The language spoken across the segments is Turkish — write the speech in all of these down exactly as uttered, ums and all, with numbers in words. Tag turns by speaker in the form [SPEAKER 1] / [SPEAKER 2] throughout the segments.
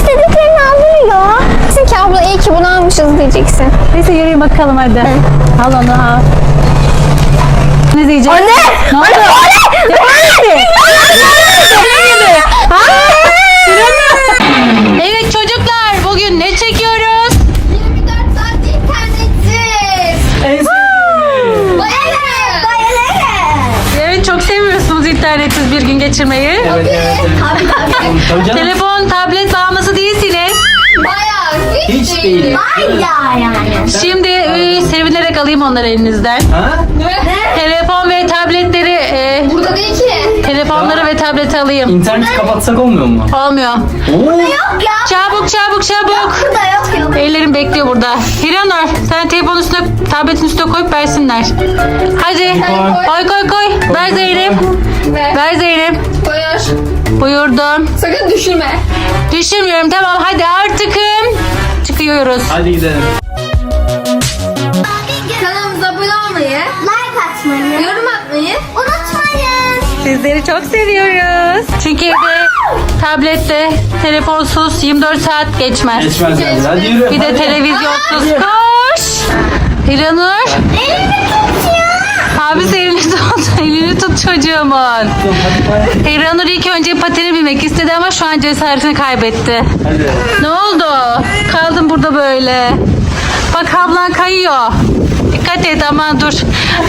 [SPEAKER 1] istediklerini alıyor. Diyeceksin ki abla iyi ki bunu almışız diyeceksin.
[SPEAKER 2] Neyse yürüyün bakalım hadi. Al onu al. Ne diyecek?
[SPEAKER 1] Anne!
[SPEAKER 2] Ne oldu?
[SPEAKER 1] Anne!
[SPEAKER 2] Evet çocuklar, bugün ne çekiyoruz?
[SPEAKER 1] yirmi dört saat internetsiz. Bayılırım. Bayılırım.
[SPEAKER 2] Evet, çok seviyorsunuz internetsiz bir gün geçirmeyi.
[SPEAKER 3] Evet, evet, evet.
[SPEAKER 1] Tabii tabii.
[SPEAKER 3] Tabii canım.
[SPEAKER 2] Telefon, tablet bağımlısı değilsiniz.
[SPEAKER 1] Bayağı hiç,
[SPEAKER 3] Hiç
[SPEAKER 1] değil.
[SPEAKER 3] değil.
[SPEAKER 1] Bayağı yani.
[SPEAKER 2] Şimdi e, sevinerek alayım onları elinizden.
[SPEAKER 3] Ha?
[SPEAKER 1] Ne?
[SPEAKER 2] Telefon ve tabletleri, e,
[SPEAKER 1] Burada değil ki.
[SPEAKER 2] telefonları ve tableti alayım.
[SPEAKER 3] İnterneti kapatsak olmuyor mu?
[SPEAKER 2] Olmuyor.
[SPEAKER 3] Oo.
[SPEAKER 1] Yok ya.
[SPEAKER 2] Çabuk çabuk çabuk.
[SPEAKER 1] Burada yok yok.
[SPEAKER 2] Ellerim bekliyor burada. Hiranur, sen telefonun üstüne, tabletin üstüne koyup versinler. Hadi. Koy koy koy. Ver Zeynep.
[SPEAKER 1] Ver.
[SPEAKER 2] Ver Zeynep.
[SPEAKER 1] Koyar.
[SPEAKER 2] Buyurdum.
[SPEAKER 1] Sakın düşürme.
[SPEAKER 2] Düşünmüyorum, tamam hadi artıkım. Çıkıyoruz.
[SPEAKER 3] Hadi gidelim.
[SPEAKER 1] Kanalımıza abone olmayı, like atmayı, yorum atmayı unutmayın.
[SPEAKER 2] Sizleri çok seviyoruz. Çünkü evde tablette telefonsuz yirmi dört saat geçmez.
[SPEAKER 3] Geçmez yani. Hadi yürü.
[SPEAKER 2] Bir de
[SPEAKER 3] hadi.
[SPEAKER 2] televizyonsuz. Koş. Hiranur.
[SPEAKER 1] Elimi tut ya.
[SPEAKER 2] Abi elini tut. Elini tut çocuğumun.
[SPEAKER 3] Hadi hadi.
[SPEAKER 2] Hiranur ilk önce patene binmek istedi ama şu an cesaretini kaybetti.
[SPEAKER 3] Hadi.
[SPEAKER 2] Ne oldu? Kaldın burada böyle. Bak ablan kayıyor. Dikkat et, aman dur.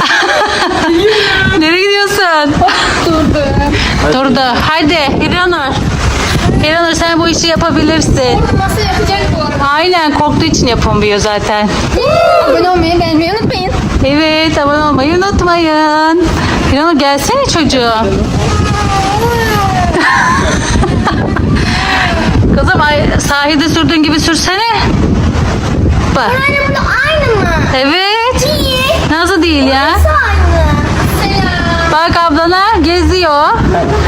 [SPEAKER 2] Nereye gidiyorsun?
[SPEAKER 1] Durdu.
[SPEAKER 2] Durdu. Hadi Hiranur. Hiranur, sen bu işi yapabilirsin.
[SPEAKER 1] Nasıl yapacak bu araba?
[SPEAKER 2] Aynen, korktuğu için yapamıyor zaten.
[SPEAKER 1] Abone olmayı, beğenmeyi unutmayın.
[SPEAKER 2] Evet, abone olmayı unutmayın. Hiranur gelsene çocuğum. Kızım ay, sahilde sürdüğün gibi sürsene. Bak.
[SPEAKER 1] Anne burada aynı mı?
[SPEAKER 2] Evet.
[SPEAKER 1] Değil.
[SPEAKER 2] Nasıl değil ya?
[SPEAKER 1] Nasıl aynı? Selam.
[SPEAKER 2] Bak ablana geziyor.
[SPEAKER 1] Ama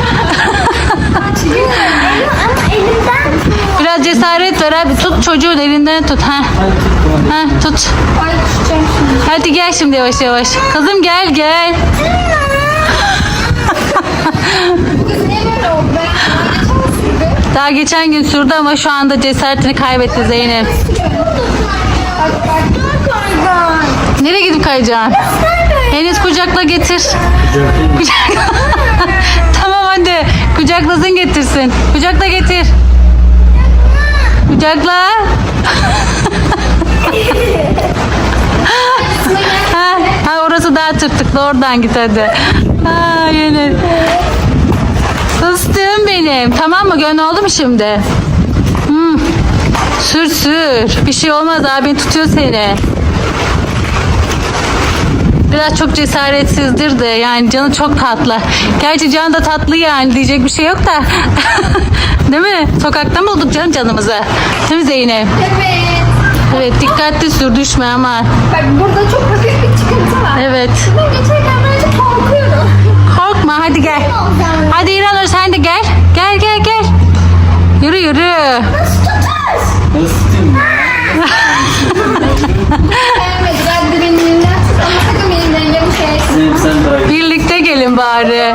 [SPEAKER 1] elimden tutmuyor.
[SPEAKER 2] Biraz cesaret ver abi. Tut çocuğun elinden tut. Ha.
[SPEAKER 3] Hadi tuttum hadi.
[SPEAKER 2] Ha, tut.
[SPEAKER 1] Ay düşeceğim şimdi.
[SPEAKER 2] Hadi gel şimdi yavaş yavaş. Kızım gel gel.
[SPEAKER 1] Bu kız niye böyle oldu? Ben geçen sürdü.
[SPEAKER 2] Daha geçen gün sürdü ama şu anda cesaretini kaybetti Zeynep.
[SPEAKER 1] Bak bak. Dur kaygan.
[SPEAKER 2] Nereye gidip kayacaksın? Enes kucakla getir. Kucak- Tamam hadi. Kucaklasın getirsin. Kucakla getir. Kucakla. ha, ha, orası daha tırtıklı. Oradan git hadi. Ha, yine. Fıstığım benim. Tamam mı? Gönlü oldu mu şimdi? Hmm. Sür sür. Bir şey olmaz, abin tutuyor seni. Biraz çok cesaretsizdir de, yani canı çok tatlı. Gerçi can da tatlı yani, diyecek bir şey yok da. Değil mi? Sokakta mı bulduk canım canımızı? Değil mi Zeynep?
[SPEAKER 1] Evet.
[SPEAKER 2] Evet, dikkatli sür, düşme ama.
[SPEAKER 1] Bak burada çok hafif bir çıkıntı var.
[SPEAKER 2] Evet.
[SPEAKER 1] Ben geçerken böyle korkuyorum.
[SPEAKER 2] Korkma, hadi gel. Hadi İranur, sen de gel. Gel gel gel. Yürü yürü.
[SPEAKER 1] Nasıl tutar?
[SPEAKER 3] Nasıl tutayım ya?
[SPEAKER 1] Beğenmedi. Ben de benim elimden tut ama sakın benim dengemi şey.
[SPEAKER 3] Zeynep sen daha iyi.
[SPEAKER 2] Birlikte gelin bari.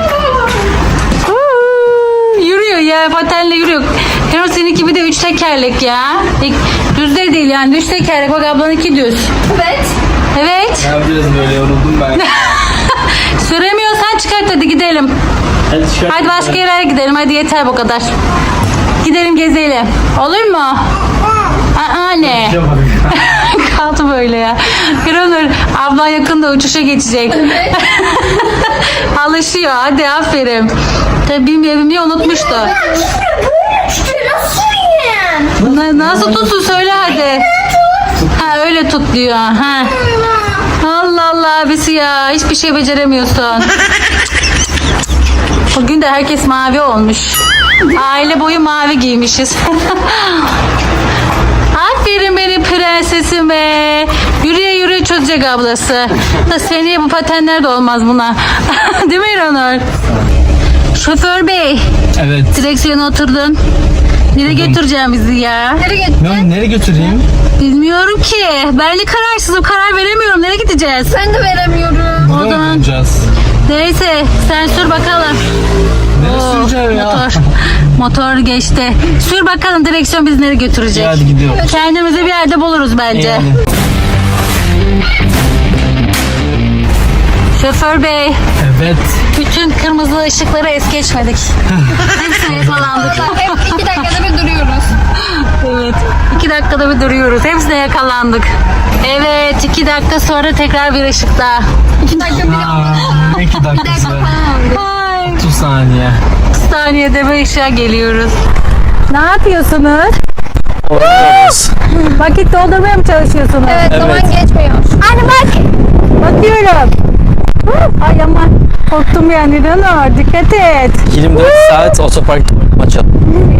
[SPEAKER 2] Huu, Yürüyor ya, patenle yürüyor. Heron seninki bir de üç tekerlek ya. İlk- Düz de değil yani, düz tekerlek. Bak ablanınki düz.
[SPEAKER 1] Evet.
[SPEAKER 2] Evet.
[SPEAKER 3] Ne yapacağız böyle, yoruldum ben.
[SPEAKER 2] Süremiyorsan çıkart, hadi gidelim.
[SPEAKER 3] Hadi çıkar.
[SPEAKER 2] Hadi başka yere gidelim, hadi yeter bu kadar. Gidelim gezelim. Olur mu? Aa ne? Kaldı böyle ya. Granur, ablan yakında uçuşa geçecek. Alışıyor, hadi aferin. Tabii bilmiyor, bilmiyor, unutmuştu.
[SPEAKER 1] Böyle düştü. Nasıl yiyeyim?
[SPEAKER 2] Na- Nasıl tutsun söyle hadi. Ha öyle tut diyor. Ha. Allah Allah abisi ya, hiçbir şey beceremiyorsun. Bugün de herkes mavi olmuş. Aile boyu mavi giymişiz. Aferin benim prensesime. Yürüye yürüye çözecek ablası. Da seneye bu patenler de olmaz buna. Değil mi İranur? Şoför bey,
[SPEAKER 3] Evet.
[SPEAKER 2] direksiyona oturdun. Nereye götüreceğim bizi ya?
[SPEAKER 1] Nereye git?
[SPEAKER 3] Ne, nereye götüreyim?
[SPEAKER 2] Bilmiyorum ki. Ben de kararsızım. Karar veremiyorum. Nereye gideceğiz?
[SPEAKER 1] Ben de veremiyorum.
[SPEAKER 2] O zaman
[SPEAKER 3] Gideceğiz.
[SPEAKER 2] neyse sen sür bakalım.
[SPEAKER 3] Nereye
[SPEAKER 2] Oo,
[SPEAKER 3] süreceğim ya?
[SPEAKER 2] Motor. Motor geçti. Sür bakalım direksiyon bizi nereye götürecek.
[SPEAKER 3] Hadi gidiyorum.
[SPEAKER 2] Kendimizi bir yerde buluruz bence.
[SPEAKER 3] Yani.
[SPEAKER 2] Şoför bey,
[SPEAKER 3] Evet.
[SPEAKER 2] bütün kırmızı ışıkları es geçmedik. Hepsine yakalandık.
[SPEAKER 1] Hep iki dakikada bir duruyoruz.
[SPEAKER 2] Evet. iki dakikada bir duruyoruz. Hepsine yakalandık. Evet. iki dakika sonra tekrar bir ışık daha.
[SPEAKER 1] İki dakika bir
[SPEAKER 3] Aa, iki dakikası.
[SPEAKER 2] Ay.
[SPEAKER 3] otuz saniye.
[SPEAKER 2] Saniyede bir ışığa geliyoruz. Ne yapıyorsunuz?
[SPEAKER 3] Oynuyoruz.
[SPEAKER 2] Vakit doldurmaya mı çalışıyorsunuz?
[SPEAKER 1] Evet,
[SPEAKER 3] Evet.
[SPEAKER 1] zaman geçmiyor. Hadi bak.
[SPEAKER 2] Bakıyorum. Ay aman. Korktum yani Ranur. Dikkat et.
[SPEAKER 3] yirmi dört saat otoparkta maç at.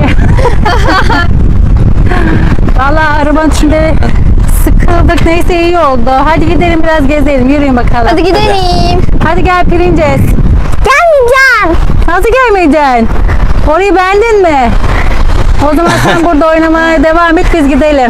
[SPEAKER 2] Vallahi arabanın içinde sıkıldık. Neyse iyi oldu. Hadi gidelim biraz gezelim. Yürüyün bakalım.
[SPEAKER 1] Hadi gidelim.
[SPEAKER 2] Hadi gel Princes.
[SPEAKER 1] Gelmeyeceğim.
[SPEAKER 2] Nasıl gelmeyeceksin? Orayı beğendin mi? O zaman sen burada oynamaya devam et, biz gidelim.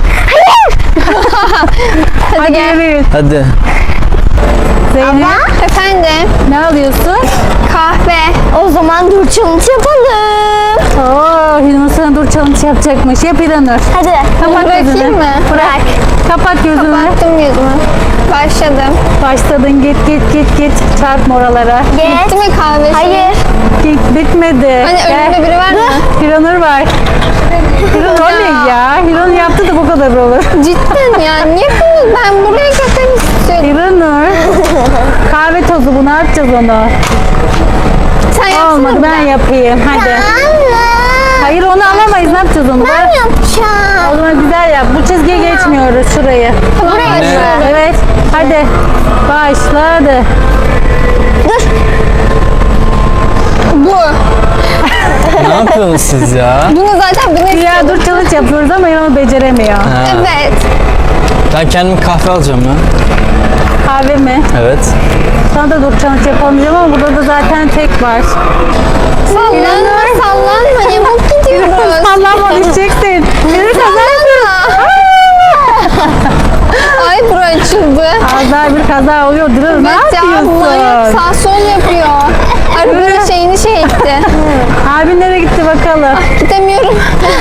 [SPEAKER 1] Hadi,
[SPEAKER 2] Hadi
[SPEAKER 1] gel.
[SPEAKER 2] yürüyün.
[SPEAKER 3] Hadi.
[SPEAKER 2] Zeynep,
[SPEAKER 1] Efendim,
[SPEAKER 2] ne alıyorsun?
[SPEAKER 1] kahve. O zaman dur challenge yapalım.
[SPEAKER 2] Oo, Hilmi sana dur challenge yapacakmış. Yap İranur.
[SPEAKER 1] Hadi.
[SPEAKER 2] Kapat
[SPEAKER 1] Bırakayım
[SPEAKER 2] gözünü.
[SPEAKER 1] mı?
[SPEAKER 2] Bırak. Kapat gözünü.
[SPEAKER 1] Baktım yüzümü. Başladım.
[SPEAKER 2] Başladın, git git git git. Çarpma oralara.
[SPEAKER 1] Bitti mi kahve? Hayır.
[SPEAKER 2] Git, bitmedi.
[SPEAKER 1] Hani
[SPEAKER 2] Gel.
[SPEAKER 1] önümde biri var mı?
[SPEAKER 2] Hiranur var. Hiranur o ne ya? Hiranur yaptı da bu kadar olur.
[SPEAKER 1] Cidden ya. Niye bunu? Ben buraya götürmek istiyorum.
[SPEAKER 2] Hiranur. Kahve tozu bu, ne yapacağız onu?
[SPEAKER 1] Sen yapsana
[SPEAKER 2] Olmadı,
[SPEAKER 1] bir
[SPEAKER 2] ben
[SPEAKER 1] daha.
[SPEAKER 2] yapayım. Hadi. Hayır, onu alamayız. Ne yapacağız onu? Ben
[SPEAKER 1] yapacağım.
[SPEAKER 2] O zaman güzel yap. Bu çizgiye geçmiyoruz, şurayı.
[SPEAKER 1] Buraya
[SPEAKER 3] Ne?
[SPEAKER 1] geçiyorum.
[SPEAKER 2] Evet. Hadi. Başladı.
[SPEAKER 1] Dur. Bu.
[SPEAKER 3] Ne yapıyorsunuz siz ya?
[SPEAKER 1] Bunu zaten bunu
[SPEAKER 2] Ya
[SPEAKER 1] istiyordum.
[SPEAKER 2] dur challenge yapıyoruz ama Hiranur beceremiyor.
[SPEAKER 3] Ha.
[SPEAKER 1] Evet.
[SPEAKER 3] Ben kendim kahve alacağım ya.
[SPEAKER 2] Kahve mi?
[SPEAKER 3] Evet.
[SPEAKER 2] Sana da dur challenge yapamayacağım ama burada da zaten tek var.
[SPEAKER 1] Sallanma sallanma. Yamuk gidiyoruz.
[SPEAKER 2] Sallanma, düşeceksin. Hiranur kaza
[SPEAKER 1] Sallanma. Ay bura açıldı.
[SPEAKER 2] Az daha bir kaza oluyor. Dur, ne
[SPEAKER 1] Evet ya bunlar
[SPEAKER 2] yapıyorsun?
[SPEAKER 1] sağ sol yapıyor. Arabanın şeyini şey etti.
[SPEAKER 2] Abin nereye gitti bakalım?
[SPEAKER 1] Gidemiyorum.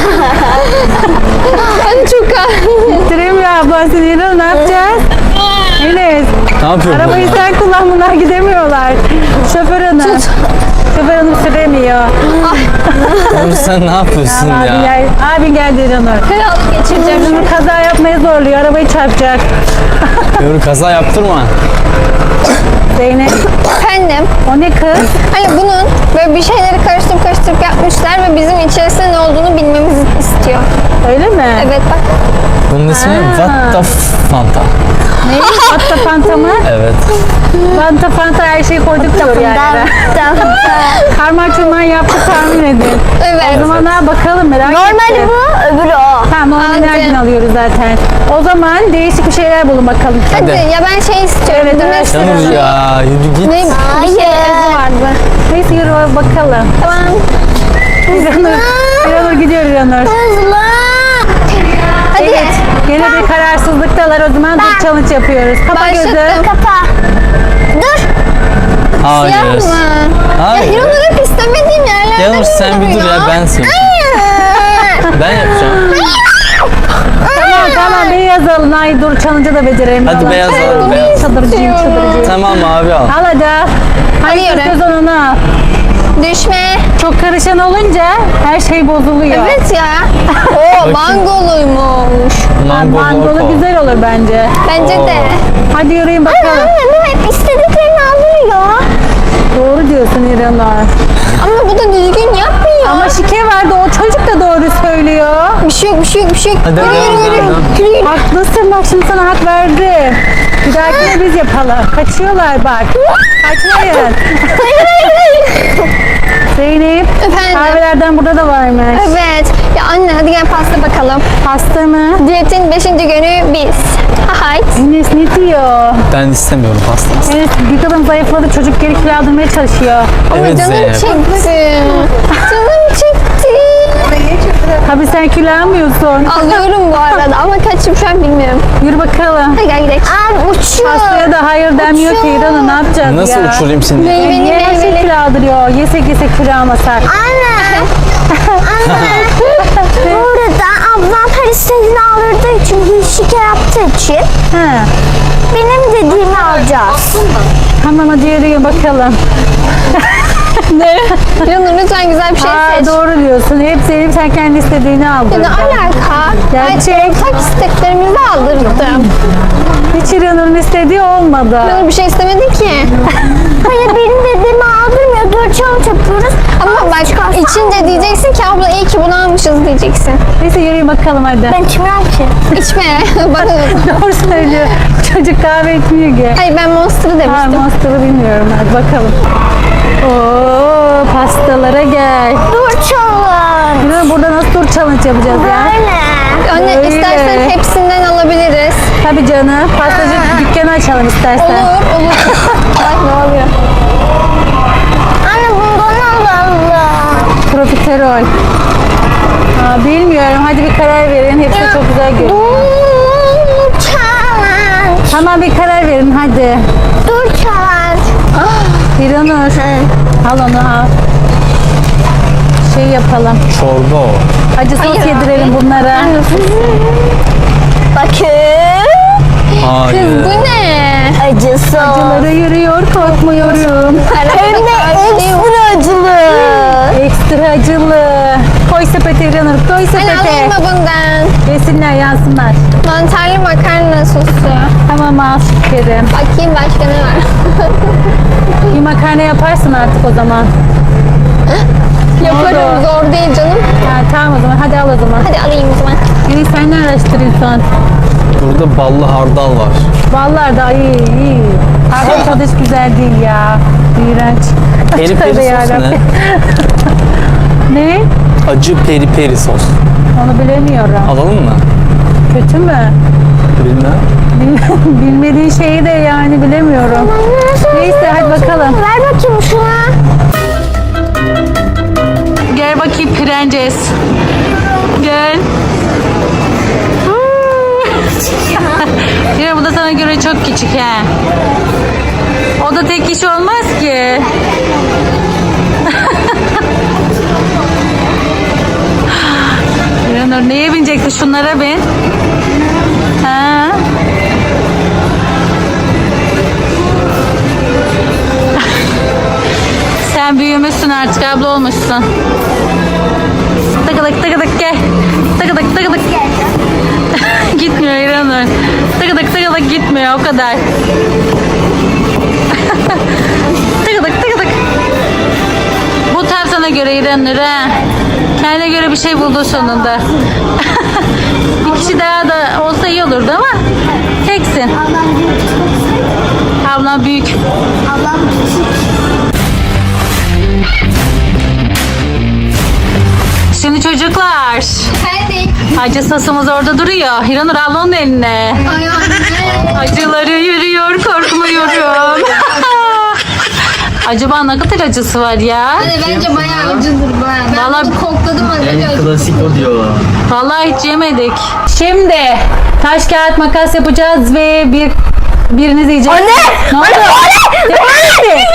[SPEAKER 1] Hadi çok ağır.
[SPEAKER 2] Bitireyim ya ablan seni. Hiranur, ne yapacağız? Enes.
[SPEAKER 3] Ne yapıyorsun?
[SPEAKER 2] Arabayı sen kullan, bunlar gidemiyorlar. Şoför hanım. Şoför hanım süremiyor.
[SPEAKER 3] Oğlum sen ne yapıyorsun
[SPEAKER 2] Abi
[SPEAKER 3] ya?
[SPEAKER 2] gel, abin geldi Hiranur.
[SPEAKER 1] Fenalık geçireceğim.
[SPEAKER 2] Hiranur kaza yapmaya zorluyor. Arabayı çarpacak.
[SPEAKER 3] Yürü kaza yaptırma.
[SPEAKER 2] Zeynep.
[SPEAKER 1] Efendim.
[SPEAKER 2] O ne kız?
[SPEAKER 1] Hani bunun böyle bir şeyleri karıştırıp karıştırıp yapmışlar ve bizim içerisinde ne olduğunu bilmemizi istiyor.
[SPEAKER 2] Öyle mi?
[SPEAKER 1] Evet bak.
[SPEAKER 3] Bunun ismi What the Fanta.
[SPEAKER 2] Ne? Fanta Fanta mı?
[SPEAKER 3] Evet.
[SPEAKER 2] Fanta Fanta her şeyi koyduk diyor yani. Karman çurman yaptı, tahmin edin.
[SPEAKER 1] Evet.
[SPEAKER 2] O zaman ha, bakalım, merak ettim.
[SPEAKER 1] bu, öbürü o.
[SPEAKER 2] Tamam, onu
[SPEAKER 1] Hadi.
[SPEAKER 2] nereden alıyoruz zaten. O zaman değişik bir şeyler bulun bakalım.
[SPEAKER 1] Hadi.
[SPEAKER 3] Hadi.
[SPEAKER 1] Ya ben şey istiyorum.
[SPEAKER 2] Evet,
[SPEAKER 1] Demek
[SPEAKER 2] evet.
[SPEAKER 1] istiyorum.
[SPEAKER 3] Canım ya yürü git.
[SPEAKER 1] Ne? Bir şey evde vardı.
[SPEAKER 2] Neyse yürü bakalım.
[SPEAKER 1] Tamam.
[SPEAKER 2] İranur, İranur gidiyor İranur.
[SPEAKER 1] Hızlı. Hadi.
[SPEAKER 2] Evet, gene bir kararsızlıktalar, o zaman dur challenge yapıyoruz. Kapa gözü.
[SPEAKER 1] Başlattım. Kapa. Dur.
[SPEAKER 3] Hayır.
[SPEAKER 1] Yapma. Ya
[SPEAKER 3] Hayır.
[SPEAKER 1] Hiranur hep istemediğim yerlerde
[SPEAKER 3] Yalnız sen bir dur ya, ben seni. Ben yapacağım.
[SPEAKER 2] Tamam tamam, beyaz alın. Ay dur, challenge'ı da becereyim.
[SPEAKER 3] Hadi
[SPEAKER 2] vallahi.
[SPEAKER 3] beyaz alalım, beyaz.
[SPEAKER 2] Çıldırıcıyım, çıldırıcıyım.
[SPEAKER 3] Tamam abi al.
[SPEAKER 2] Al hadi. Hadi
[SPEAKER 1] Alıyorum.
[SPEAKER 2] göz onu al.
[SPEAKER 1] Düşme.
[SPEAKER 2] Çok karışan olunca her şey bozuluyor.
[SPEAKER 1] Evet ya. Oo mangoluymuş.
[SPEAKER 3] Mango
[SPEAKER 2] Mangolu
[SPEAKER 3] loco.
[SPEAKER 2] güzel olur bence.
[SPEAKER 1] Bence de.
[SPEAKER 2] Hadi yürüyün bakalım.
[SPEAKER 1] bu hep istediklerini alıyor.
[SPEAKER 2] Doğru diyorsun İranur.
[SPEAKER 1] Ama bu da düzgün yapmıyor.
[SPEAKER 2] Ama şike vardı, o çocuk da doğru söylüyor.
[SPEAKER 1] Bir şey yok, bir şey yok, bir şey yok.
[SPEAKER 3] Hadi,
[SPEAKER 1] Yürü,
[SPEAKER 3] hadi,
[SPEAKER 1] yürü,
[SPEAKER 3] hadi,
[SPEAKER 1] yürü.
[SPEAKER 3] hadi.
[SPEAKER 1] Yürü, yürü.
[SPEAKER 2] Haklısın, bak şimdi sana hak verdim. Bir dahakine biz yapalım. Kaçıyorlar bak. Kaçmayın. Zeynep,
[SPEAKER 1] Efendim?
[SPEAKER 2] kahvelerden burada da varmış.
[SPEAKER 1] Evet. Ya anne hadi gel pasta bakalım.
[SPEAKER 2] Pasta mı?
[SPEAKER 1] Diyetin beşinci günü biz. Hayt.
[SPEAKER 2] Enes ne diyor?
[SPEAKER 3] Ben istemiyorum pasta.
[SPEAKER 2] Enes bir kadın zayıfladı, çocuk geri kilo aldırmaya çalışıyor.
[SPEAKER 1] Ama
[SPEAKER 3] Evet
[SPEAKER 1] canım
[SPEAKER 3] Zeynep.
[SPEAKER 1] çekti. Canım çekti.
[SPEAKER 2] Tabii sen kilo almıyorsun.
[SPEAKER 1] Alıyorum bu arada ama kaçım şu an bilmiyorum.
[SPEAKER 2] Yürü bakalım.
[SPEAKER 1] Hadi gel gidelim. Abi uçuyor.
[SPEAKER 2] Pastaya da hayır denmiyor ki İran'ı, ne yapacağız
[SPEAKER 3] Nasıl
[SPEAKER 2] ya?
[SPEAKER 3] uçurayım seni?
[SPEAKER 1] Meyveli
[SPEAKER 2] Niye her şey
[SPEAKER 1] meyveli.
[SPEAKER 2] kilo aldırıyor? Yesek yesek kilo almasak.
[SPEAKER 1] Anne.
[SPEAKER 2] Ha.
[SPEAKER 4] Benim dediğimi alacağız.
[SPEAKER 2] Tamam hadi yürüyün bakalım. Ne?
[SPEAKER 1] Canım lütfen güzel bir şey
[SPEAKER 2] Aa,
[SPEAKER 1] seç.
[SPEAKER 2] doğru diyorsun. Hep Zeynep sen kendi istediğini aldın.
[SPEAKER 1] Ya ne alaka?
[SPEAKER 2] Gerçek.
[SPEAKER 1] Ben ortak isteklerimizi aldırdım.
[SPEAKER 2] Hiç İranur'un istediği olmadı.
[SPEAKER 1] Canım bir şey istemedi ki.
[SPEAKER 4] Hayır benim dediğimi aldırmıyor. Dur challenge yapıyoruz.
[SPEAKER 1] Ama bak içince diyeceksin ki abla iyi ki bunu almışız diyeceksin.
[SPEAKER 2] Neyse yürüyün bakalım hadi.
[SPEAKER 4] Ben içmiyorum ki.
[SPEAKER 1] İçme. Bana
[SPEAKER 2] Doğru söylüyor. Çocuk kahve içmiyor ki.
[SPEAKER 1] Hayır ben Monster'ı
[SPEAKER 2] Ha,
[SPEAKER 1] demiştim.
[SPEAKER 2] Monster'ı bilmiyorum. Hadi bakalım. Oo, pastalara gel.
[SPEAKER 4] Dur challenge.
[SPEAKER 2] İranur burada nasıl dur challenge yapacağız ya?
[SPEAKER 4] Böyle.
[SPEAKER 1] Anne
[SPEAKER 2] Öyle.
[SPEAKER 1] istersen hepsinden alabiliriz.
[SPEAKER 2] Tabii canım. Pastacı dükkanı açalım istersen.
[SPEAKER 1] Olur olur. Ay ne oluyor?
[SPEAKER 4] Anne bundan alalım.
[SPEAKER 2] Profiterol. Aa, bilmiyorum. Hadi bir karar verin. Hepsi çok güzel görünüyor.
[SPEAKER 4] Dur challenge.
[SPEAKER 2] Tamam bir karar verin hadi.
[SPEAKER 4] Dur challenge.
[SPEAKER 2] İranur. Al onu al. Şey yapalım.
[SPEAKER 3] Çorba o.
[SPEAKER 2] Acı sos
[SPEAKER 1] Hayır
[SPEAKER 2] yedirelim bunlara.
[SPEAKER 4] Bakın.
[SPEAKER 3] Hayır.
[SPEAKER 1] Bu ne?
[SPEAKER 4] Acısı.
[SPEAKER 2] Acıları yürüyor korkmuyorum.
[SPEAKER 4] Hem de ekstra acılı.
[SPEAKER 2] Ekstra acılı. Koy sepete İranur koy
[SPEAKER 1] Anne alayım
[SPEAKER 2] sepete.
[SPEAKER 1] mı bundan?
[SPEAKER 2] Yesinler yansınlar.
[SPEAKER 1] Mantarlı makarna sosu.
[SPEAKER 2] Tamam al şekerim.
[SPEAKER 1] Bakayım başka ne var?
[SPEAKER 2] Bir makarna yaparsın artık o zaman.
[SPEAKER 1] Yaparım
[SPEAKER 2] oldu?
[SPEAKER 1] zor değil canım.
[SPEAKER 2] Ha, tamam o zaman hadi al o zaman.
[SPEAKER 1] Hadi alayım o zaman.
[SPEAKER 2] Yine sen ne araştırıyorsun?
[SPEAKER 3] Burada ballı hardal var.
[SPEAKER 2] Vallahi da iyi iyi. Abi tadı hiç güzel değil ya. İğrenç.
[SPEAKER 3] Peri
[SPEAKER 2] Tövbe
[SPEAKER 3] peri sos
[SPEAKER 2] yarabbim.
[SPEAKER 3] ne?
[SPEAKER 2] Ne?
[SPEAKER 3] Acı peri peri sos.
[SPEAKER 2] Onu bilemiyorum.
[SPEAKER 3] Alalım mı?
[SPEAKER 2] Kötü mü?
[SPEAKER 3] Bilmem.
[SPEAKER 2] Bil- Bilmediğin şeyi de yani bilemiyorum. Neyse hadi bakalım.
[SPEAKER 4] Ver bakayım şuna.
[SPEAKER 2] Gel bakayım prenses. Gel. Yine bu da sana göre çok küçük he. O da tek kişi olmaz ki. Yanur neye binecekti? Şunlara bin. Ha? Sen büyümüşsün artık abla olmuşsun. Tıkıdık tıkıdık gel. Tıkıdık tıkıdık. Gitmiyor İranur. Tıkıdık tıkıdık gitmiyor o kadar. Tıkıdık tıkıdık. Bu tam sana göre İranur ha. Kendine göre bir şey buldu sonunda. Bir kişi daha da olsa iyi olurdu ama teksin. Ablam büyük.
[SPEAKER 4] Ablam küçük.
[SPEAKER 2] Şimdi çocuklar.
[SPEAKER 1] Hadi.
[SPEAKER 2] Acı sosumuz orada duruyor. Hiranur al onun eline.
[SPEAKER 1] Ay anne.
[SPEAKER 2] Acıları yürüyor korkmuyorum. Acaba ne kadar acısı var ya?
[SPEAKER 1] Anne bence bayağı acıdır bayağı. Ben
[SPEAKER 2] Vallahi-
[SPEAKER 1] bunu kokladım acı.
[SPEAKER 3] klasik o diyor.
[SPEAKER 2] Vallahi hiç yemedik. Şimdi taş kağıt makas yapacağız ve bir biriniz yiyecek.
[SPEAKER 4] Anne!
[SPEAKER 2] Ne oldu?
[SPEAKER 4] Anne!
[SPEAKER 2] Nerede?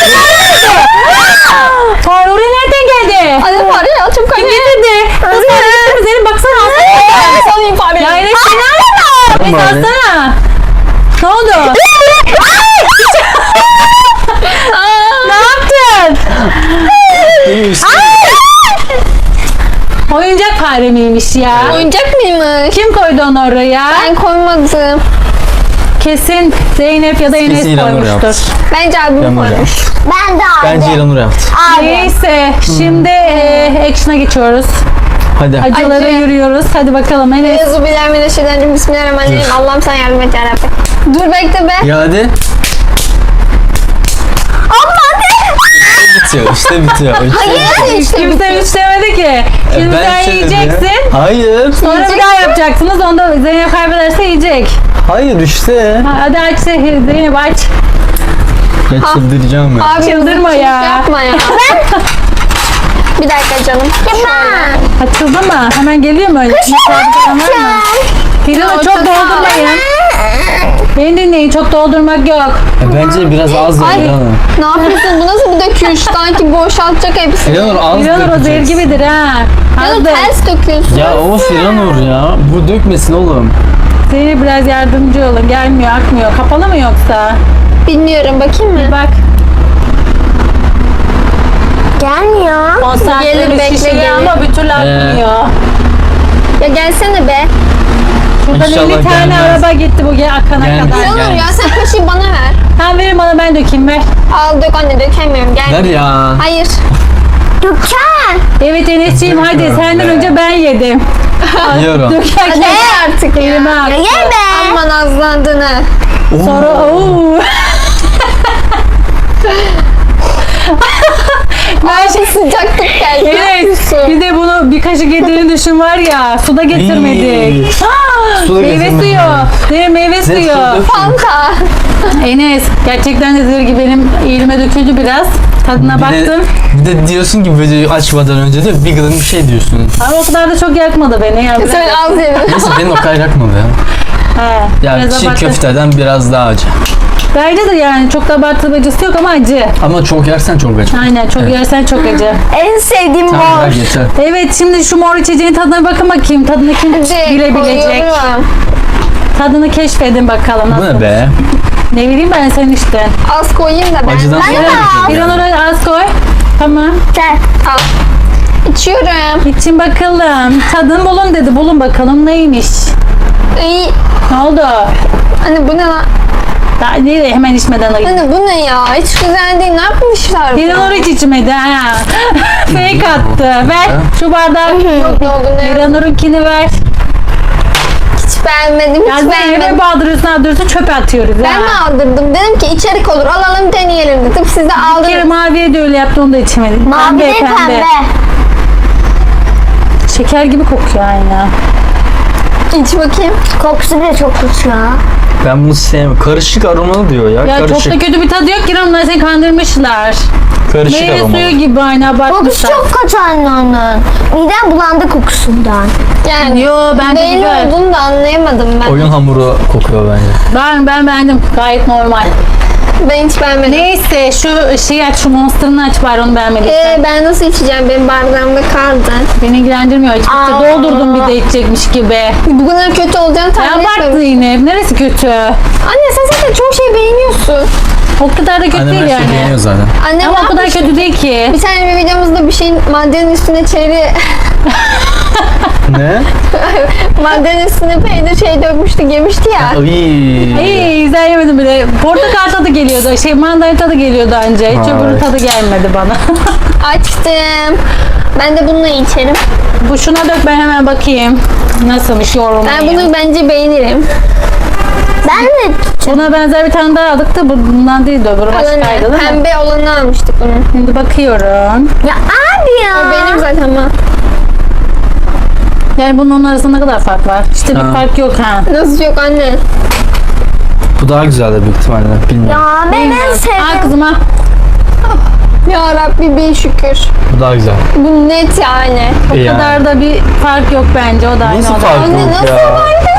[SPEAKER 2] Fare oraya nereden geldi?
[SPEAKER 1] Anne fare ya çok
[SPEAKER 2] Kim
[SPEAKER 1] anne.
[SPEAKER 2] getirdi? Kız fare getirdi. Zeynep baksana.
[SPEAKER 1] Ben salayım fare.
[SPEAKER 2] Ya Enes seni al. Enes
[SPEAKER 3] Fare.
[SPEAKER 2] alsana. Ne oldu? Ne yaptın? Oyuncak fare miymiş ya?
[SPEAKER 1] Oyuncak mıymış?
[SPEAKER 2] Kim koydu onu oraya?
[SPEAKER 1] Ben koymadım.
[SPEAKER 2] Kesin Zeynep ya da Enes
[SPEAKER 3] Kesin İranur yaptı.
[SPEAKER 2] koymuştur.
[SPEAKER 1] Bence abim
[SPEAKER 3] Yanur
[SPEAKER 1] koymuş.
[SPEAKER 3] yaptı.
[SPEAKER 4] Ben de aldım.
[SPEAKER 3] Bence İranur yaptı.
[SPEAKER 4] Abi.
[SPEAKER 2] Neyse şimdi e, action'a geçiyoruz.
[SPEAKER 3] Hadi.
[SPEAKER 2] Acılara
[SPEAKER 1] Acı.
[SPEAKER 2] yürüyoruz. Hadi bakalım Enes.
[SPEAKER 1] Euzubillahimineşşeytanirracim. Bismillahirrahmanirrahim. Allah'ım sen yardım et yarabbim. Dur bekle be.
[SPEAKER 3] Ya hadi. İşte bitiyor. İşte bitiyor.
[SPEAKER 1] Hayır işte
[SPEAKER 2] Kimse üç demedi ki. Şimdi sen
[SPEAKER 3] söyledim ya.
[SPEAKER 2] yiyeceksin.
[SPEAKER 3] Hayır.
[SPEAKER 2] Sonra bir daha yapacaksınız. Onda Zeynep kaybederse yiyecek.
[SPEAKER 3] Hayır işte.
[SPEAKER 2] Ha, Hadi aç Zeynep aç.
[SPEAKER 3] Ya çıldıracağım ya.
[SPEAKER 1] Abi
[SPEAKER 2] Çıldırma
[SPEAKER 1] mızıkçılık
[SPEAKER 2] ya.
[SPEAKER 1] Yapma ya. Bir dakika canım. Şöyle.
[SPEAKER 2] Açıldı mı? Hemen geliyor mu öyle? Misafir falan var mı? Hilal çok doldurmayın. Beni dinleyin çok doldurmak yok.
[SPEAKER 3] Ya bence biraz az ver
[SPEAKER 1] Ay
[SPEAKER 3] İranur.
[SPEAKER 1] ne yapıyorsun? Bu nasıl bir döküş? Sanki boşaltacak hepsini.
[SPEAKER 3] İranur az
[SPEAKER 2] Hiranur o zehir
[SPEAKER 3] dökeceğiz.
[SPEAKER 2] gibidir ha.
[SPEAKER 1] Ya
[SPEAKER 2] Azdır.
[SPEAKER 1] ters döküyorsun.
[SPEAKER 3] Ya of İranur ya. Bu dökmesin oğlum.
[SPEAKER 2] Zeynep biraz yardımcı olun. Gelmiyor, akmıyor. Kapalı mı yoksa?
[SPEAKER 1] Bilmiyorum, bakayım mı?
[SPEAKER 2] Bak.
[SPEAKER 4] Gelmiyor.
[SPEAKER 2] Konsantre
[SPEAKER 1] Gelir,
[SPEAKER 2] bir
[SPEAKER 1] bekle,
[SPEAKER 2] şişeye
[SPEAKER 1] gelir.
[SPEAKER 2] ama bir türlü akmıyor.
[SPEAKER 1] Ya gelsene be.
[SPEAKER 2] Şuradan
[SPEAKER 3] İnşallah
[SPEAKER 2] elli tane
[SPEAKER 3] gelmez.
[SPEAKER 2] araba gitti bu gel akana
[SPEAKER 3] Gelmez.
[SPEAKER 2] kadar.
[SPEAKER 1] Ne olur
[SPEAKER 3] Gel.
[SPEAKER 1] ya, sen kaşığı bana ver.
[SPEAKER 2] Tamam verin bana, ben dökeyim, ver.
[SPEAKER 1] Al dök anne, dökemiyorum. Gel.
[SPEAKER 3] Ver ya.
[SPEAKER 1] Hayır.
[SPEAKER 4] Dükkan.
[SPEAKER 2] Evet Enes'ciğim hadi
[SPEAKER 3] Döküyorum
[SPEAKER 2] senden
[SPEAKER 3] be.
[SPEAKER 2] önce ben yedim.
[SPEAKER 3] Yiyorum.
[SPEAKER 2] Dökerken
[SPEAKER 1] Hadi ye artık ya.
[SPEAKER 2] elime
[SPEAKER 4] Ya
[SPEAKER 2] attı.
[SPEAKER 4] ye be.
[SPEAKER 1] Aman azlandın ha.
[SPEAKER 2] Sonra ooo.
[SPEAKER 1] Ay şey sıcaklık geldi.
[SPEAKER 2] Evet. Bir de bunu bir kaşık yediğini düşün var ya. Suda getirmedik.
[SPEAKER 3] İyi.
[SPEAKER 2] Aa,
[SPEAKER 3] Suda
[SPEAKER 2] meyve
[SPEAKER 3] getirmedik.
[SPEAKER 2] suyu. Değil meyve
[SPEAKER 3] Zeytin
[SPEAKER 2] suyu.
[SPEAKER 3] dök.
[SPEAKER 1] Fanta.
[SPEAKER 2] Enes gerçekten de zır gibi benim elime döküldü biraz. Tadına
[SPEAKER 3] Bir de,
[SPEAKER 2] baktım.
[SPEAKER 3] bir de diyorsun ki videoyu açmadan önce de bir gıdım bir şey diyorsun.
[SPEAKER 2] Ama o kadar da çok yakmadı beni. Yani biraz-
[SPEAKER 1] Sen az yedin.
[SPEAKER 3] Neyse benim o kadar yakmadı ya.
[SPEAKER 2] He,
[SPEAKER 3] Yani
[SPEAKER 2] biraz
[SPEAKER 3] çiğ
[SPEAKER 2] abartı.
[SPEAKER 3] köfteden biraz daha acı.
[SPEAKER 2] Bence de yani çok da abartılı acısı yok ama acı.
[SPEAKER 3] Ama çok yersen çok acı.
[SPEAKER 2] Aynen çok
[SPEAKER 3] Evet.
[SPEAKER 2] yersen çok acı.
[SPEAKER 4] En sevdiğim
[SPEAKER 3] Tamam
[SPEAKER 4] mor.
[SPEAKER 3] ver yeter.
[SPEAKER 2] Evet şimdi şu mor içeceğin tadına bakın bakayım. Tadını kim
[SPEAKER 1] Hadi
[SPEAKER 2] bilebilecek?
[SPEAKER 1] koyuyorum.
[SPEAKER 2] Tadını keşfedin bakalım
[SPEAKER 3] Bu
[SPEAKER 2] nasıl.
[SPEAKER 3] ne be?
[SPEAKER 2] Ne bileyim ben sen işte.
[SPEAKER 1] Az koyayım da ben.
[SPEAKER 3] Acıdan
[SPEAKER 1] Ben
[SPEAKER 3] sonra
[SPEAKER 1] de-
[SPEAKER 2] Bir an oraya az koy. Tamam.
[SPEAKER 4] Gel.
[SPEAKER 1] Al. İçiyorum.
[SPEAKER 2] İçin bakalım. Tadın bulun dedi. Bulun bakalım neymiş.
[SPEAKER 1] İyi.
[SPEAKER 2] Ne oldu?
[SPEAKER 1] Anne bu ne lan?
[SPEAKER 2] Daha nereye hemen içmeden ayı.
[SPEAKER 1] Anne bu ne ya? Hiç güzel değil. Ne yapmışlar?
[SPEAKER 2] Bir an oraya hiç içmedi ha. Fake attı. Ver şu bardağı.
[SPEAKER 1] Yok ne oldu ne?
[SPEAKER 2] Bir an orunkini ver.
[SPEAKER 1] Hiç beğenmedim. Hiç
[SPEAKER 2] Ya Zeynep'e
[SPEAKER 1] beğenmedim.
[SPEAKER 2] baldırıyorsun aldırıyorsun çöpe atıyoruz
[SPEAKER 1] Ben mi
[SPEAKER 2] ha.
[SPEAKER 1] aldırdım? Dedim ki içerik olur. Alalım deneyelim dedim. Siz de
[SPEAKER 2] Bir kere
[SPEAKER 1] aldınız.
[SPEAKER 2] maviye de öyle yaptı onu da içemedik.
[SPEAKER 4] Mavi değil pembe.
[SPEAKER 2] Şeker gibi kokuyor aynı.
[SPEAKER 1] İç bakayım.
[SPEAKER 4] Kokusu bile çok kötü ya.
[SPEAKER 3] Ben bunu sevmiyorum. Karışık aromalı diyor ya.
[SPEAKER 2] Ya
[SPEAKER 3] Karışık.
[SPEAKER 2] çok da kötü bir tadı yok ki onlar seni kandırmışlar.
[SPEAKER 3] Karışık
[SPEAKER 2] Meyve
[SPEAKER 3] aromalı.
[SPEAKER 2] suyu gibi aynı
[SPEAKER 4] Kokusu
[SPEAKER 2] abartmışlar.
[SPEAKER 4] çok kötü anne onun. Midem bulandı kokusundan.
[SPEAKER 1] Yani
[SPEAKER 2] Yo ben de
[SPEAKER 1] belli
[SPEAKER 2] güzel.
[SPEAKER 1] olduğunu da anlayamadım ben.
[SPEAKER 3] Oyun hamuru kokuyor bence.
[SPEAKER 2] Ben, ben beğendim gayet normal.
[SPEAKER 1] Ben hiç beğenmedim.
[SPEAKER 2] Neyse şu şeyi aç şu monsterını aç bari onu beğenmediysen.
[SPEAKER 1] Ee, ben nasıl içeceğim? Benim bardağımda kaldı.
[SPEAKER 2] Beni ilgilendirmiyor açıkçası.
[SPEAKER 4] Aa.
[SPEAKER 2] Doldurdum bir de içecekmiş gibi.
[SPEAKER 1] Bu kadar kötü olacağını
[SPEAKER 2] Ne
[SPEAKER 1] tahmin
[SPEAKER 2] abarttı
[SPEAKER 1] etmedim.
[SPEAKER 2] yine. Neresi kötü?
[SPEAKER 1] Anne sen zaten çok şey beğeniyorsun.
[SPEAKER 2] O kadar da kötü
[SPEAKER 3] Annem
[SPEAKER 2] değil
[SPEAKER 3] her şeyi
[SPEAKER 2] yani.
[SPEAKER 3] beğeniyor zaten.
[SPEAKER 1] Annem
[SPEAKER 2] Ama
[SPEAKER 1] ne
[SPEAKER 2] o kadar
[SPEAKER 1] yapmış?
[SPEAKER 2] kötü değil ki.
[SPEAKER 1] Bir tane bir videomuzda bir şeyin maddenin üstüne çeri
[SPEAKER 3] Ne?
[SPEAKER 1] maddenin üstüne peynir şey dökmüştü, yemişti ya.
[SPEAKER 3] Ay.
[SPEAKER 2] İyi güzel yemedim bile. Portakal tadı geliyordu. Şey mandalina tadı geliyordu anca. Hiç
[SPEAKER 3] Vay.
[SPEAKER 2] öbürü tadı gelmedi bana.
[SPEAKER 1] Açtım. Ben de bununla içerim.
[SPEAKER 2] Bu şuna dök ben hemen bakayım. Nasılmış yorumu.
[SPEAKER 1] Ben bunu bence beğenirim.
[SPEAKER 4] Ben de
[SPEAKER 2] Buna benzer bir tane daha aldık da bu bundan değil de öbürü başkaydı
[SPEAKER 1] Kalanı,
[SPEAKER 2] değil mi?
[SPEAKER 1] pembe olanı almıştık bunu.
[SPEAKER 2] Şimdi bakıyorum.
[SPEAKER 4] ya abi ya.
[SPEAKER 1] O benim zaten ama.
[SPEAKER 2] Yani bunun onun arasında ne kadar fark var? İşte bir
[SPEAKER 3] Ha.
[SPEAKER 2] fark yok ha.
[SPEAKER 1] Nasıl yok anne?
[SPEAKER 3] Bu daha güzeldir büyük ihtimalle. Bilmiyorum.
[SPEAKER 4] Ya ben en
[SPEAKER 2] Al
[SPEAKER 4] sevdiğim.
[SPEAKER 2] kızıma.
[SPEAKER 1] Ya Rabbi bin şükür.
[SPEAKER 3] Bu daha güzel.
[SPEAKER 1] Bu net yani.
[SPEAKER 2] O
[SPEAKER 3] Yani.
[SPEAKER 2] kadar da bir fark yok bence. O da aynı
[SPEAKER 3] Nasıl
[SPEAKER 2] o da.
[SPEAKER 3] fark
[SPEAKER 1] Anne,
[SPEAKER 3] yok
[SPEAKER 1] nasıl
[SPEAKER 3] ya?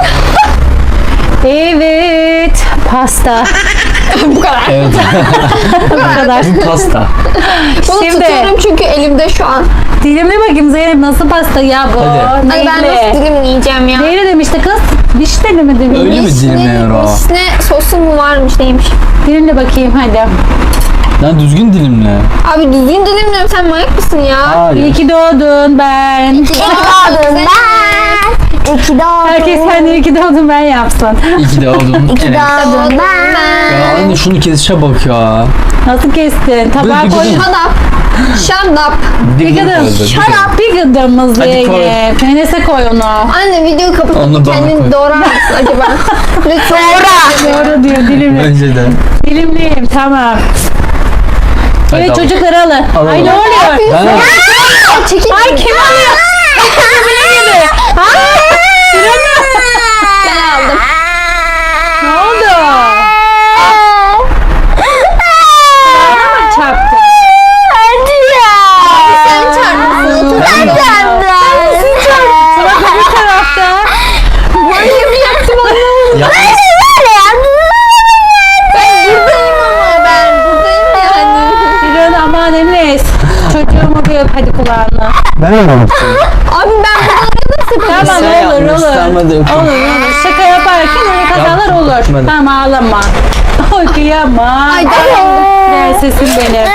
[SPEAKER 2] Evet. Pasta.
[SPEAKER 1] Bu kadar.
[SPEAKER 3] Evet.
[SPEAKER 2] Bu kadar.
[SPEAKER 3] Bu pasta.
[SPEAKER 1] Bunu
[SPEAKER 2] Şimdi-
[SPEAKER 1] tutuyorum çünkü elimde şu an.
[SPEAKER 2] Dilimli bakayım Zeynep nasıl pasta ya bu?
[SPEAKER 3] Hadi.
[SPEAKER 1] Hani ben nasıl
[SPEAKER 2] Neyli?
[SPEAKER 1] dilimleyeceğim ya?
[SPEAKER 2] Neyli demişti kız? Vişneli mi demiş?
[SPEAKER 3] Öyle mi dilimliyor o?
[SPEAKER 1] Vişne sosu mu varmış neymiş?
[SPEAKER 2] Dilimli bakayım hadi.
[SPEAKER 3] Lan düzgün dilimle.
[SPEAKER 1] Abi düzgün dilimliyorum, sen manyak mısın ya?
[SPEAKER 2] İyi
[SPEAKER 3] Hayır.
[SPEAKER 2] ki doğdun ben.
[SPEAKER 4] İki doğdum ben. İki doğdum.
[SPEAKER 2] Herkes kendi iyi ki doğdun ben yapsın.
[SPEAKER 3] İyi ki de oldun.
[SPEAKER 4] İki
[SPEAKER 3] Evet.
[SPEAKER 4] doğdum
[SPEAKER 1] Ben.
[SPEAKER 4] ben.
[SPEAKER 3] Ya anne şunu kesişe bak ya.
[SPEAKER 2] Nasıl kestin? Tabağa
[SPEAKER 3] bir
[SPEAKER 2] koy.
[SPEAKER 3] gıdım.
[SPEAKER 1] Shut up. Shut up.
[SPEAKER 2] Bir
[SPEAKER 3] gıdım
[SPEAKER 2] gıdım.
[SPEAKER 3] koydu, bir
[SPEAKER 2] Shut
[SPEAKER 3] gıdım.
[SPEAKER 2] up. Bir gıdımız
[SPEAKER 3] Hadi koy.
[SPEAKER 2] Zeynep. Enes'e koy onu.
[SPEAKER 1] Anne videoyu
[SPEAKER 3] Onu
[SPEAKER 1] kapatıp
[SPEAKER 3] bana koy.
[SPEAKER 1] kendini doğrar mısın acaba? Lütfen.
[SPEAKER 2] Doğru diyor dilimli.
[SPEAKER 3] Bence de.
[SPEAKER 2] Dilimliyim tamam.
[SPEAKER 3] Hadi
[SPEAKER 2] Evet
[SPEAKER 3] al.
[SPEAKER 2] çocukları alın.
[SPEAKER 3] Alalım.
[SPEAKER 2] Ay ne oluyor?
[SPEAKER 3] Ben
[SPEAKER 1] Aa, çekil.
[SPEAKER 2] Ay kim alıyor? Bile gibi. Ay,
[SPEAKER 1] Ben aldım.
[SPEAKER 2] ne oldu? Bana mı çarptı?
[SPEAKER 4] Hadi ya.
[SPEAKER 1] Sen çarpmışsın. Otur.
[SPEAKER 4] Ben kendim.
[SPEAKER 2] Bak öbür tarafta.
[SPEAKER 1] Manyak mı yaptım onu?
[SPEAKER 3] ya,
[SPEAKER 4] Böyle ya.
[SPEAKER 1] Ben buradayım ama ben buradayım yani.
[SPEAKER 2] Bir an aman Enes. Çocuğumu bir öp hadi kulağına.
[SPEAKER 3] ben mi yaptım?
[SPEAKER 1] Abi ben bunu oynadım
[SPEAKER 2] Tamam
[SPEAKER 3] Sen
[SPEAKER 2] olur olur.
[SPEAKER 3] yapmışsın ama
[SPEAKER 2] Olur
[SPEAKER 3] döküm.
[SPEAKER 2] olur. Şaka yaparken öyle kazalar
[SPEAKER 3] Yap-
[SPEAKER 2] olur.
[SPEAKER 3] yapmadım.
[SPEAKER 2] Tamam ağlama. Oy kıyamam.
[SPEAKER 1] Ay dayandım.
[SPEAKER 2] Sesim benim.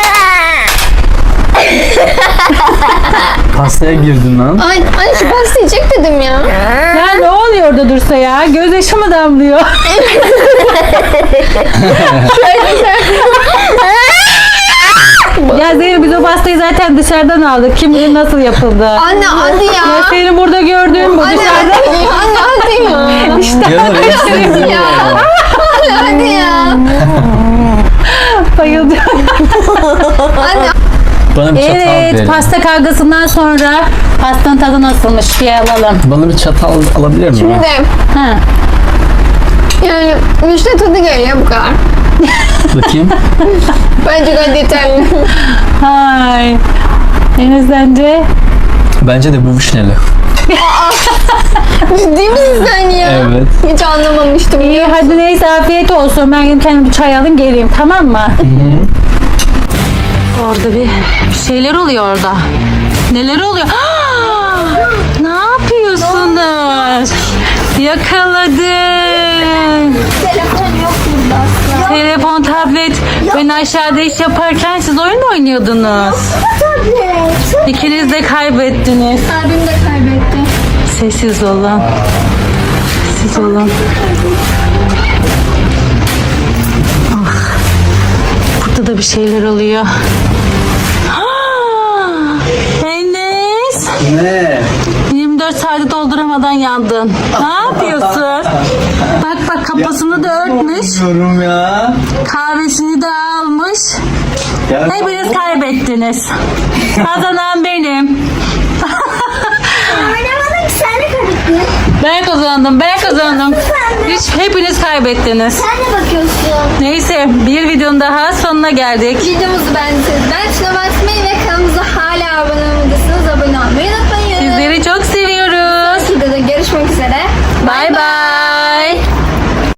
[SPEAKER 3] Pastaya girdin lan.
[SPEAKER 1] Ay, ay şu pasta yiyecek dedim ya.
[SPEAKER 2] Ya ne oluyor orada Dursa ya? Gözyaşı mı damlıyor? Ya Zeynep biz o pastayı zaten dışarıdan aldık. Kim bilir nasıl yapıldı.
[SPEAKER 1] Anne hadi ya.
[SPEAKER 2] Ya seni burada gördüğüm bu
[SPEAKER 1] Anne
[SPEAKER 2] dışarıda.
[SPEAKER 1] hadi ya. Anne hadi ya.
[SPEAKER 2] İşte
[SPEAKER 3] Yanır hepsini
[SPEAKER 1] Ya. Anne hadi ya.
[SPEAKER 2] bayıldım.
[SPEAKER 1] Anne
[SPEAKER 3] Bana bir çatal
[SPEAKER 2] Evet
[SPEAKER 3] verin.
[SPEAKER 2] pasta kavgasından sonra pastanın tadı nasılmış bir alalım.
[SPEAKER 3] Bana bir çatal alabilir miyim?
[SPEAKER 1] şimdi
[SPEAKER 2] Ha.
[SPEAKER 1] yani vişne tadı geliyor bu kadar.
[SPEAKER 3] Bakayım.
[SPEAKER 1] Bence gayet yeterli.
[SPEAKER 2] Hay. Enes sence?
[SPEAKER 3] Bence de bu vişneli.
[SPEAKER 1] Ciddi misin sen ya?
[SPEAKER 3] Evet.
[SPEAKER 1] Hiç anlamamıştım.
[SPEAKER 2] İyi hadi neyse afiyet olsun. Ben gidip kendim bir çay alayım geleyim tamam mı? Orada bir, bir şeyler oluyor orada. Neler oluyor? Ne yapıyorsunuz? Yakaladım.
[SPEAKER 4] Telefon yok burada.
[SPEAKER 2] Telefon, tablet. Ben aşağıda iş yaparken siz oyun mu oynuyordunuz?
[SPEAKER 4] Tablet.
[SPEAKER 2] İkiniz de kaybettiniz.
[SPEAKER 1] Abim de kaybetti.
[SPEAKER 2] Sessiz olun. Sessiz olun. Ah, burada da bir şeyler oluyor. Ah, Enes.
[SPEAKER 3] Ne?
[SPEAKER 2] yirmi dört saati dolduramadan yandın. Ne yapıyorsun? Bak bak kafasını da örtmüş.
[SPEAKER 3] Bilmiyorum ya.
[SPEAKER 2] Kahvesini de almış.
[SPEAKER 3] Ya
[SPEAKER 2] Hepiniz kaybettiniz. Kazanan benim.
[SPEAKER 4] Oynamadık ki sen de kaybettin.
[SPEAKER 2] Ben kazandım, ben kazandım. Hiç hepiniz kaybettiniz.
[SPEAKER 4] Sen de bakıyorsun.
[SPEAKER 2] Neyse bir videonun daha sonuna geldik.
[SPEAKER 1] Videomuzu beğendiyseniz beğen tuşuna basmayı ve kanalımıza hala abone olmadıysanız